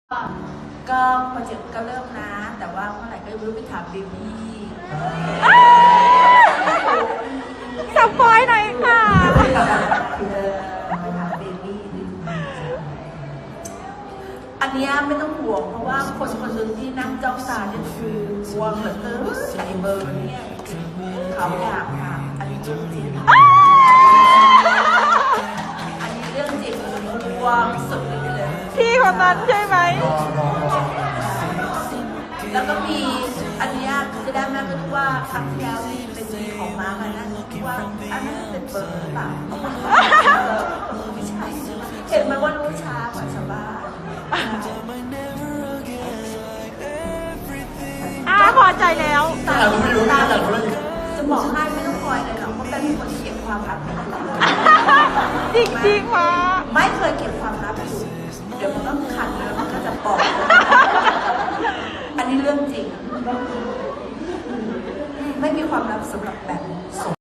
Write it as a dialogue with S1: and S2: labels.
S1: ก็โปรเจกต์ก็เริ่มนะแต่ว่าเมื่อไหร่ก็ไม่รู้ไปถามเบบี้
S2: สปอยหน่อยค่ะ
S1: ไปถามเบบี้อันนี้ไม่ต้องห่วงเพราะว่าคนคนหนึ่งที่นั่งจ้องตาเนี่ยคือห่วงเหลือเกินใส่เบอร์เนี่ยเขาอยากถามอันนี้เรื่องจริงอันนี้เรื่องจริงห่วงสุดเลย
S2: พี่คนนั้นใช่ไหม
S1: แล้วก็มีอันนี้จะได้แม่ก็รู้ว่าครั้งที่แล้วนี่เป็นมีของม้ามานั่นว่าอันนั้นเป็นเบอร์หรือเปล่าไม่ใช่เห็นไหมว่ารู้ช้ากว่าชาวบ้าน
S2: พอใจแล้ว
S1: ตาจะบอกให้ไม่ต้องคอยเลยหรอกเพราะเป็นคนเก็บความลับไม่ได้
S2: จริงๆมา
S1: ไม่เคยเก็บความลับอยู่เดี๋ยวมันก็ขัดแล้วมันก็จะบอกอันนี้เรื่องจริงไม่มีความลับสำหรับแบบ